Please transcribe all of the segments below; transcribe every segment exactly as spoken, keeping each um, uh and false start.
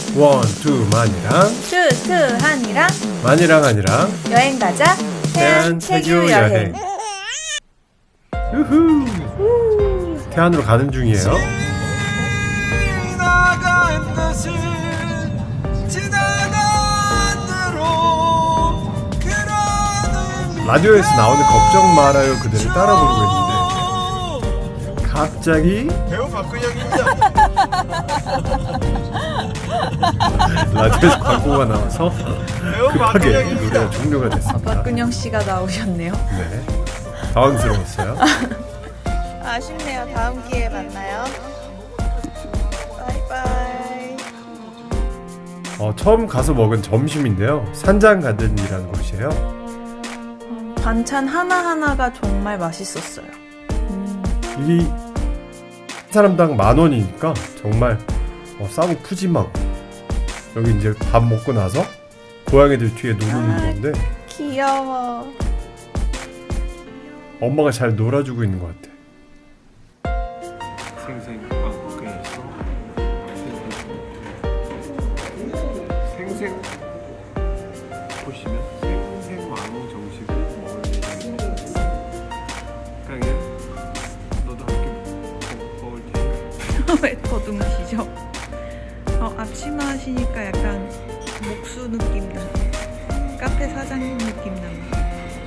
원, 투, 만이랑 투, 투, 한이랑 만이랑 한이랑 여행 가자. 태안 태교 여행. 우후. 태안으로 가는 중이에요. 라디오에서 나오는 걱정 말아요 그대를 따라 부르고 있는데 갑자기 배우 박근영입니다. 라디오에서 광고가 나와서 배우 급하게 박근영입니다. 노래가 종료가 됐습니다. 박근영 씨가 나오셨네요. 네, 당황스러웠어요. 아쉽네요. 다음 기회에 만나요. 바이바이. 어, 처음 가서 먹은 점심인데요. 산장가든이라는 곳이에요. 반찬 하나하나가 정말 맛있었어요. 음. 이 한 사람당 만 원이니까 정말 어, 싸고 푸짐하고 여기 이제 밥 먹고 나서 고양이들 뒤에 노는 아, 건데 귀여워. 엄마가 잘 놀아주고 있는 것 같아. 생생 빵국에서 생생 보시면 생생 왕호 정식을 먹을 예정입니다. 강이야, 너도 함께 먹, 먹을 테니까. 왜 더듬으시죠? 어, 앞치마 하시니까 약간 목수 느낌 나. 카페 사장님 느낌 납니다.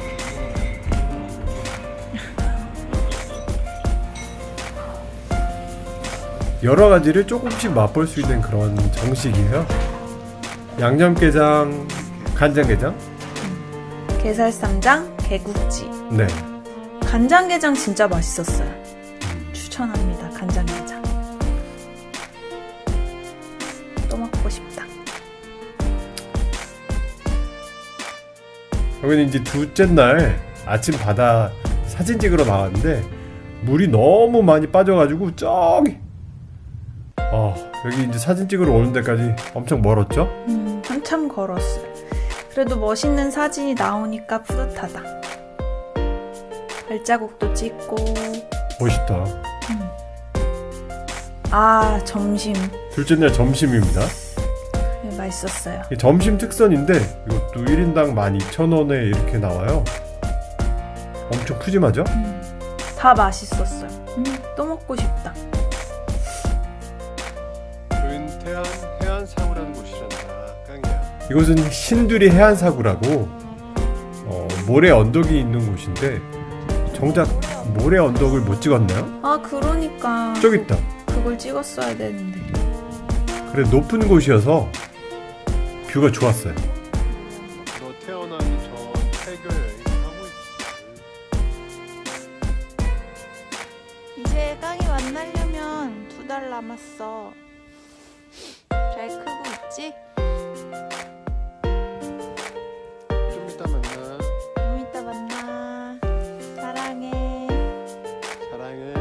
여러 가지를 조금씩 맛볼 수 있는 그런 정식이에요. 양념게장, 간장게장. 게살쌈장, 개국지. 네. 간장게장 진짜 맛있었어요. 추천합니다. 간장게장. 또 먹고 싶다. 여기는 이제 둘째 날 아침 바다 사진 찍으러 나왔는데 물이 너무 많이 빠져가지고 저기 어, 여기 이제 사진 찍으러 오는 데까지 엄청 멀었죠? 음, 한참 걸었어요. 그래도 멋있는 사진이 나오니까 뿌듯하다. 발자국도 찍고. 멋있다. 음. 아, 점심. 둘째 날 점심입니다. 네, 맛있었어요. 이 점심 특선인데 이것도 일 인당 만 이천 원에 이렇게 나와요. 엄청 푸짐하죠? 음, 다 맛있었어요. 음, 또 먹고 싶다. 여기는 태안 해안사구라는 곳이란다. 강이야. 이곳은 신두리 해안사구라고 어, 모래 언덕이 있는 곳인데 정작 모래 언덕을 못 찍었나요? 아, 그러니까. 저기 있다. 그걸 찍었어야 되는데. 그래 높은 곳이어서 뷰가 좋았어요. 너 태어나기 전 태교 여행 하고 있지. 이제 깡이 만나려면 두 달 남았어. 잘 크고 있지? 좀 이따 만나. 좀 이따 만나. 사랑해. 사랑해.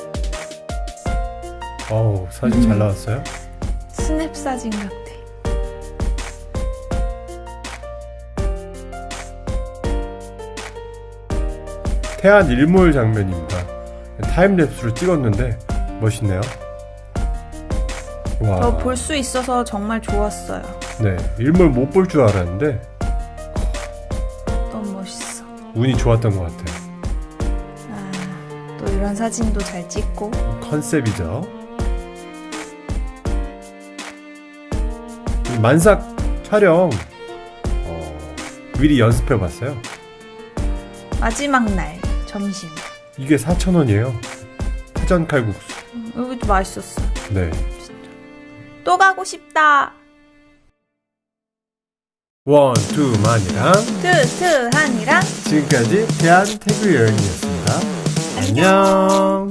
어우 사진 잘 나왔어요. 스냅 사진 같아. 태안 일몰 장면입니다. 타임랩스로 찍었는데 멋있네요. 와, 저 볼 수 있어서 정말 좋았어요. 네 일몰 못 볼 줄 알았는데 너무 멋있어. 운이 좋았던 것 같아요. 아, 또 이런 사진도 잘 찍고. 컨셉이죠. 이 만삭 촬영 어, 미리 연습해봤어요. 마지막 날 점심. 이게 사천 원이에요. 회전 칼국수. 음, 여기도 맛있었어. 네. 또 가고 싶다. 원, 투, 만이랑 투, 투, 한이랑 지금까지 대한 태교 여행이었습니다. 안녕.